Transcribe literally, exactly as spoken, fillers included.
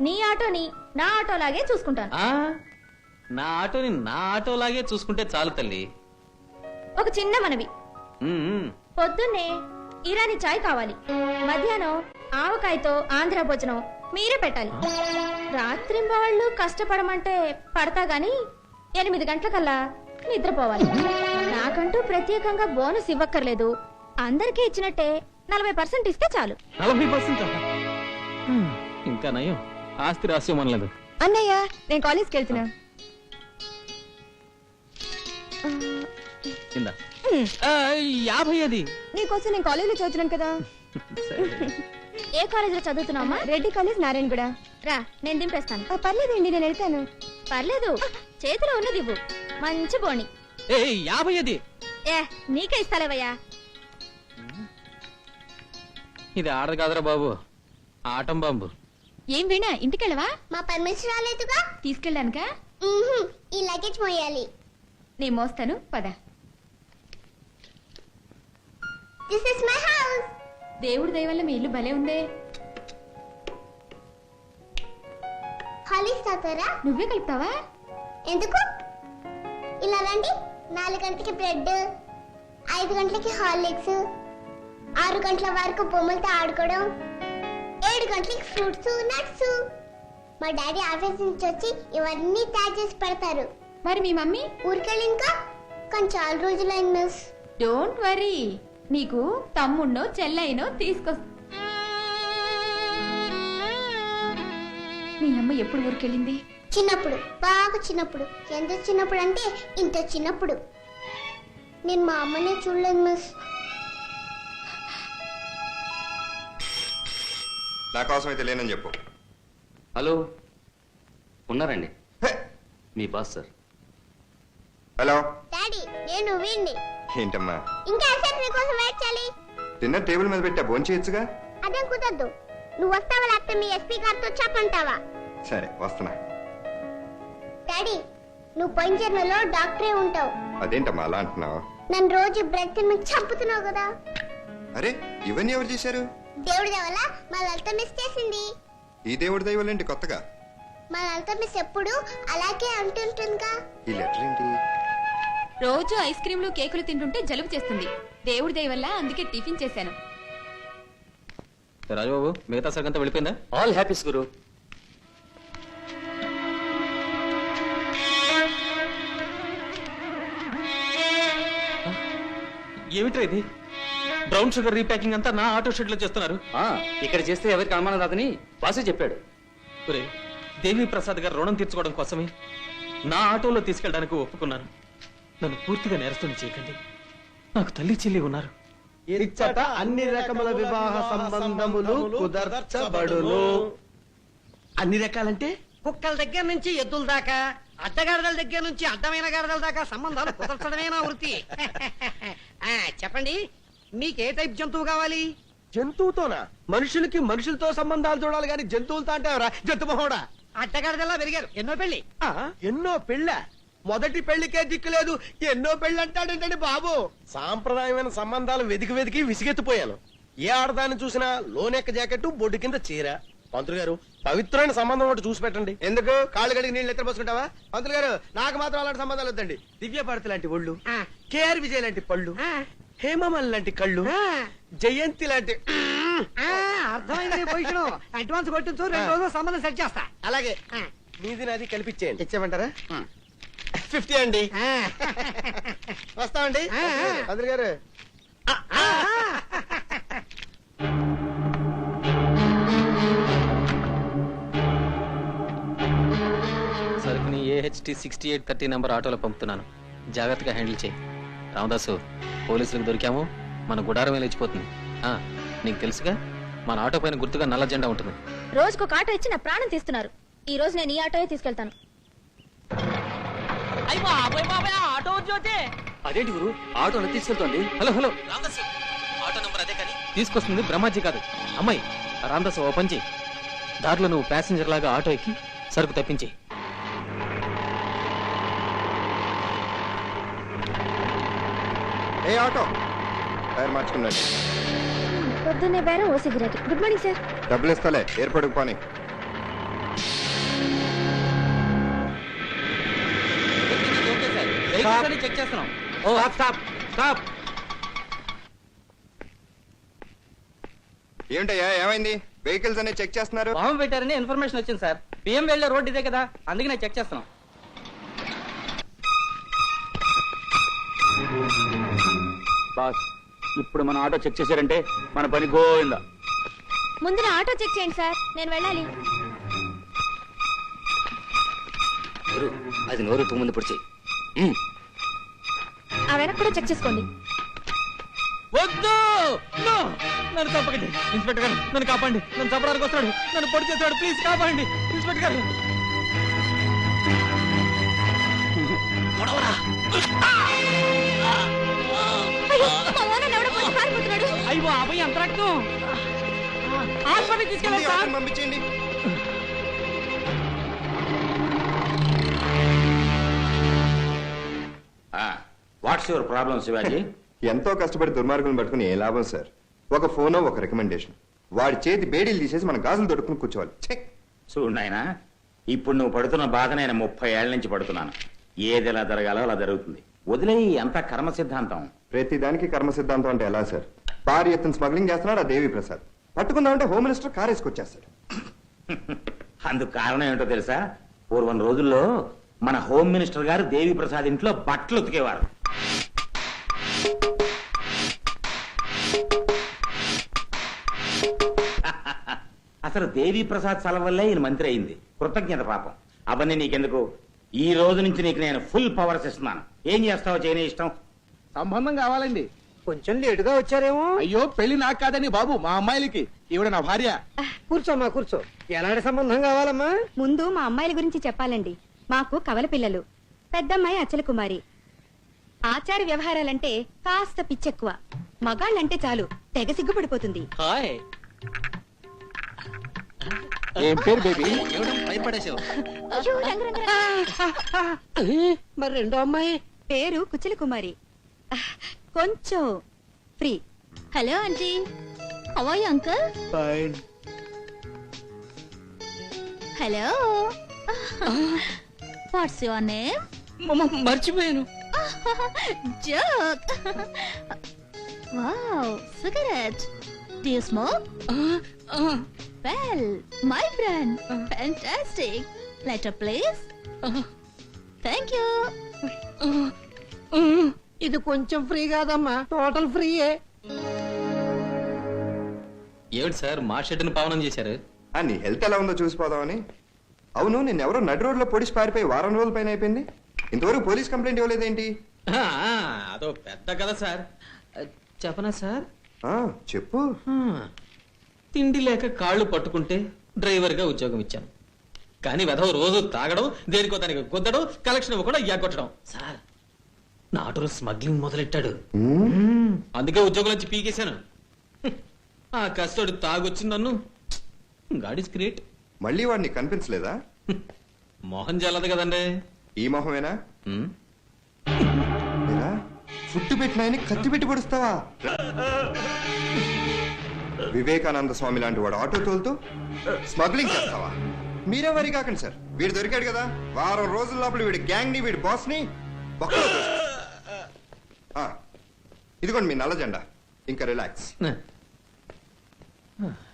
నీ ఆటోని నా ఆటోలాగే చూసుకుంటాను. ఆ నా ఆటోని నా ఆటోలాగే చూసుకుంటే చాలు తల్లి. ఒక చిన్న మనవి, ఉమ్, పొద్దున్నే ఇరానీ చాయ్ కావాలి, మధ్యాహ్నం ఆవకాయతో ఆంధ్ర భోజనం మీరే పెట్టాలి. రాత్రి వాళ్ళు కష్టపడమంటే పడతా గాని ఎనిమిది గంటలకల్లా నిద్రపోవాలి. నాకంటూ ప్రత్యేకంగా బోనస్ ఇవ్వక్కర్లేదు, అందరికీ ఇచ్చినట్టే నలభై పర్సెంట్ ఇస్తే చాలు. నలభై పర్సెంట్ ఇంకా నయం, ఆస్తి రాస్యం అనలేదు. అన్నయ్య నేను కాలేజ్కి వెళ్తున్నా. కింద యాభై అది నీకోసం నేను కాలేజ్ లో చదువుతున్నాను కదా. ఏ కాలేజ్ లో చదువుతున్నావమ్మా? రెడ్డి కాలేజ్, నారాయణగూడ. రా నేను దింపేస్తాను. పర్లేదండి నేను వెళ్తాను. పర్లేదు, చేతిలో ఉన్నది ఇవ్వు. మంచి బోణి. ఏ యాభై అది ఏ నీకే ఇస్తాలేవయ్యా. ఇది ఆడదు కాదురా బాబు, ఆటం బాంబు. ఏం వీణా ఇంటికెళ్ళవా? మా పర్మిషన్ రాలేదుగా. తీసుకెళ్ళానుగా. ఈ లగేజ్ మోయాలి. నీ మోస్తాను పద. This is my house. దేవుడి దయ వల్ల మీ ఇల్లు భలే ఉందే. హాలిక్స్ తాతారా? నువ్వే కలుపుతావా? ఎందుకు? ఇలా రండి. నాలుగు గంటలకి బ్రెడ్, ఐదు గంటలకి హార్లిక్స్, ఆరు గంటల వరకు బొమ్మలతో ఆడుకోవడం, ఏడు గంటలకి ఫ్రూట్స్ నట్స్. మా డాడీ ఆఫీస్ నుంచి వచ్చి ఇవన్నీ తయారు చేసి పెడతారు. మరి మీ మమ్మీ? ఊరికెళ్ళి ఇంకా కానీ చాలా రోజులైంది మిస్. డోంట్ వరీ, నీకు తమ్ముణ్ణో చెల్లైనో తీసుకొస్తా. మీ అమ్మ ఎప్పుడు ఊరికెళ్ళింది? చిన్నప్పుడు, బాగా చిన్నప్పుడు. ఎంత చిన్నప్పుడు అంటే ఇంత చిన్నప్పుడు. నేను మా అమ్మనే చూడలేదు మిస్. నా కోసం అయితే లేనని చెప్పు. హలో, ఉన్నారండి మీ బాస్ సార్. హలో డాడీ, నేను వీణ్ణి. ఏంటమ్మా ఇంకా ఎంతసేపు నీకోసం వెయిట్ చేయాలి? డిన్నర్ టేబుల్ మీద పెట్టా, భోంచేయచ్చుగా. అదేం కుదరదు. నువ్వు వస్తావా లేకపోతే మీ ఎస్పీ గారితో చెప్పంటావా? సరే వస్తున్నా. డాడీ, నువ్వు పోయిన జన్మలో డాక్టరే ఉంటావు. అదేంటమ్మా అలా అంటున్నావు? నన్ను రోజు బ్రెడ్ తిని చంపుతున్నావు కదా. అరే ఇవన్నీ ఎవరు చేశారు? దేవుడి వల్ల మా లలిత మిస్ చేసింది. ఈ దేవుడి దైవాలేంటి కొత్తగా? మా లలిత మిస్ ఎప్పుడు అలాగే అంటుంటుందిగా. ఈ లెటర్ ఏంటి? రోజు ఐస్ క్రీంలు కేకులు తింటుంటే జలుబు చేస్తుంది. దేవుడి దయ వల్ల అందుకే టిఫిన్ చేశాను. రాజుబాబు మిగతా సరికంతా వెళ్ళిపోయిందా? ఆల్ హ్యాపీస్ గురు. ఏమిట్రా ఇది? బ్రౌన్ షుగర్ రీప్యాకింగ్ అంతా నా ఆటో షెడ్ లో చేస్తున్నారు. ఆ, ఇక్కడ చేస్తే ఎవరికి అనుమానం రాదని బాసే చెప్పాడు. ఒరే, దేవి ప్రసాద్ గారు రుణం తీర్చుకోవడం కోసమే నా ఆటోలో తీసుకెళ్ళడానికి ఒప్పుకున్నాను. నన్ను పూర్తిగా నేరస్తుని చేయకండి. నాకు తల్లి చెల్లి ఉన్నారు. ఇచ్చట అన్ని రకముల వివాహ సంబంధములు కుదర్చబడును. అన్ని రకాలంటే కుక్కల దగ్గర నుంచి ఎద్దుల దాకా, అడ్డగాడిదల దగ్గర నుంచి అడ్డమైన గాడిదల దాకా సంబంధాలు కుదర్చడమే నా వృత్తి. ఆ, చెప్పండి, మీకు ఏ టైప్ జంతువు కావాలి? జంతువుతోనా? మనుషులకి మనుషులతో సంబంధాలు చూడాలి గాని జంతువులతో అంటే జంతు మహోడా. అడ్డగాడిదల్లా పెరిగారు, ఎన్నో పెళ్లి. ఆ, ఎన్నో పెళ్ళ? మొదటి పెళ్లికే దిక్కు లేదు, ఎన్నో పెళ్లి అంటాడేంటండి బాబు? సాంప్రదాయమైన సంబంధాలు వెతికి వెతికి విసిగెత్తిపోయాను. ఏ ఆడదాన్ని చూసినా లోనెక్క జాకెట్, బొడ్డు కింద చీర. పంతులు గారు, పవిత్రమైన సంబంధం ఒకటి చూసి పెట్టండి. ఎందుకు కాళ్ళు కడిగి నీళ్ళు ఎత్తర పోసుకుంటావా? పంతులు గారు, నాకు మాత్రం అలాంటి సంబంధాలు వద్దండి. దివ్య భారతి లాంటి ఒళ్ళు, ఆ. కేఆర్ విజయ్ లాంటి పళ్ళు, ఆ, హేమమల్ లాంటి కళ్ళు, ఆ, జయంతి లాంటి. ఆ, అర్థమైంది నీ పొజిషన్. అడ్వాన్స్ కొట్టించు, రెండు రోజులు సంబంధం సెట్ చేస్తా. అలాగే ఆ, నీది నాది కల్పించేయండి. ఇచ్చేయమంటారా? ఆ. ఫిఫ్టీ అండి. ఆ. వస్తామండి. ఆ, ఆ. పంతులు గారు, ఆ, సరుకుని AHT sixty eight thirty number ఆటోలో పంపుతున్నాను. జాగ్రత్తగా హ్యాండిల్ చేయి. రామదాసు, పోలీసులకు దొరికాము, మన గుడారమే లేచిపోతుంది. ఆ, నీకు తెలుసుగా మన ఆటో పైన గుర్తుగా నల్ల జెండా ఉంటుంది. రోజుకొక ఆటో ఇచ్చి నా ప్రాణం తీస్తున్నారు. ఈ రోజు నేను ఈ ఆటోయే తీసుకెళ్తాను. అదేంటి గురు, ఆటోలో తీసుకెళ్తోంది? Hello hello Ramadasu, auto number అదే కానీ తీసుకొస్తుంది బ్రహ్మాజీ కాదు, అమ్మాయి. రామదాసు, ఓ పంచి దారిలో నువ్వు ప్యాసింజర్ లాగా ఆటో ఎక్కి సరుకు తప్పించి. ఏ ఆటో టైర్ మార్చుకున్నాడు. పొద్దున్నే బేరం ఓ సిగరెట్. Good morning sir. డబ్బులు ఇస్తాలే, ఎయిర్పోర్ట్కి పోనీ. వెహికల్స్ అన్ని చెక్ చేస్తున్నాం. Oh stop stop. ఏమిటయ్యా ఏమైంది? వెహికల్స్ అన్ని చెక్ చేస్తున్నారు. బాంబు పెట్టారని ఇన్ఫర్మేషన్ వచ్చింది సార్. పిఎం వెళ్ళే రోడ్ ఇదే కదా, అందుకే నేను చెక్ చేస్తున్నాం. బాస్ ఇప్పుడు మన ఆటో చెక్ చేశారంటే మన పని గోవిందా. ముందు నా ఆటో చెక్ చేయండి సార్, నేను వెళ్ళాలి. గురు అది నోరు ముందు పొడిచి. ఆ వెనక కూడా చెక్ చేసుకోండి. వద్దు, నో, నన్ను చంపకండి ఇన్స్పెక్టర్ గారు, నన్ను కాపాడండి. నన్ను చంపడానికి వస్తాడు, నన్ను పొడి చేస్తాడు, ప్లీజ్ కాపాడండి ఇన్స్పెక్టర్ గారు. అయ్యో, మా ఓనర్ ఎవడో పోయి పారిపోతున్నాడు. అయ్యో అబ్బాయి అంత రక్తం. హాస్పిటల్ తీసుకెళ్ళండి సార్. ఆటోని పంపించేయండి. What's your problem Shivaji? ఎంతో కష్టపడి దుర్మార్గులను పట్టుకుని ఏ లాభం సార్? ఒక ఫోనో ఒక రికమెండేషన్, వాడి చేతి బేడీలు తీసేసి మన గాజులు దొడుకుని కూర్చోవాలి. ఛే! చూడు నాయనా, ఇప్పుడు నువ్వు పడుతున్న బాధ నేను ముప్పై ఏళ్ల నుంచి పడుతున్నాను. ఏది ఎలా జరగాలో అలా జరుగుతుంది. వదిలేయి, అంత కర్మ సిద్ధాంతం. ప్రతి దానికి కర్మ సిద్ధాంతం అంటే ఎలా సార్? భారీ ఎత్తున స్మగ్లింగ్ చేస్తున్నాడు ఆ దేవి ప్రసాద్. పట్టుకుందామంటే హోమ్ మినిస్టర్ కార్ వేసుకొచ్చేస్తాడు. అందుకు కారణం ఏంటో తెలుసా? పూర్వం రోజుల్లో మన హోమ్ మినిస్టర్ గారు దేవి ప్రసాద్ ఇంట్లో బట్టలు ఉతికేవారు. అసలు దేవి ప్రసాద్ సల వల్లే ఈయన మంత్రి అయింది. కృతజ్ఞత పాపం. అవన్నీ నీకెందుకు? ఈ రోజు నుంచి నీకు నేను ఫుల్ పవర్స్ ఇస్తున్నాను. ఏం చేస్తావో చేయని ఇష్టం. సంబంధం కావాలండి. కొంచెం లేటుగా వచ్చారేమో. అయ్యో పెళ్లి నాకు కాదని బాబు, మా అమ్మాయిలకి. ఈవిడ నా భార్య. కూర్చోమ్మా కూర్చో. ఎలాంటి సంబంధం కావాలమ్మా? ముందు మా అమ్మాయిల గురించి చెప్పాలండి. మాకు కవల పిల్లలు. పెద్దమ్మాయి అచల కుమారి. ఆచార వ్యవహారాలంటే కాస్త పిచ్చెక్కువ. మగాళ్ళంటే చాలు తెగ సిగ్గుపడిపోతుంది. హాయ్. ఏం పేరు బేబీ? భయపడేసావు. అయ్యో, రంగు, రంగు, రంగు. మరి రెండో అమ్మాయి పేరు కుచల కుమారి. కొంచెం free. Hello aunty, how are you uncle? Fine. Hello, what's your name? మర్చిపోయాను. Joke. Wow, cigarette. Do you smoke? Well, my friend. Fantastic. Letter, please. Thank you. ఇది కొంచెం ఫ్రీ కాదమ్మా, టోటల్ ఫ్రీయే. ఏమిటి సార్ మా షెడ్ని పావనం చేశారు? ఆ, నీ హెల్త్ ఎలా ఉందో చూసిపోదామని. అవును, నిన్నెవరో నడి రోడ్లో పొడిచి పారిపోయి వారం రోజుల పైన అయిపోయింది. ఇంతవరకు పోలీస్ కంప్లైంట్ ఇవ్వలేదేంటి? ఆ, అదో పెద్ద కథ సార్. చెప్పనా సార్? ఆ, చెప్పు. తిండి లేక కాళ్ళు పట్టుకుంటే డ్రైవర్గా ఉద్యోగం ఇచ్చాను. కానీ వెధవ రోజు తాగడం, దేనికో దానికి గుద్దడం, కలెక్షన్ ఇవ్వకుండా ఎగ్గొట్టడం. సార్ నా ఆటోలో స్మగ్లింగ్ మొదలెట్టాడు. అందుకే ఉద్యోగం నుంచి పీకేశాను. ఆ కష్టడు తాగొచ్చి నన్ను. God is great. మళ్ళీ వాడిని కనిపించలేదా? మోహన్ జల్లదు కదండి. ఈ మొహమేనా? ఉమ్. ఏరా, ఫుట్టు పెట్టినాయని కత్తి పెట్టి పడుస్తావా? వివేకానంద స్వామి లాంటి వాడు ఆటో తోలుతూ స్మగ్లింగ్ చేస్తావా? మీరే వరి కాకండి సార్, వీడు దొరికాడు కదా, వారం రోజుల లోపల వీడి గ్యాంగ్ ని, వీడి బాస్ ని బొక్కలో తోసేస్తా. ఆ, ఇదిగోండి మీ నల్ల జెండా. ఇంకా రిలాక్స్. ఆ.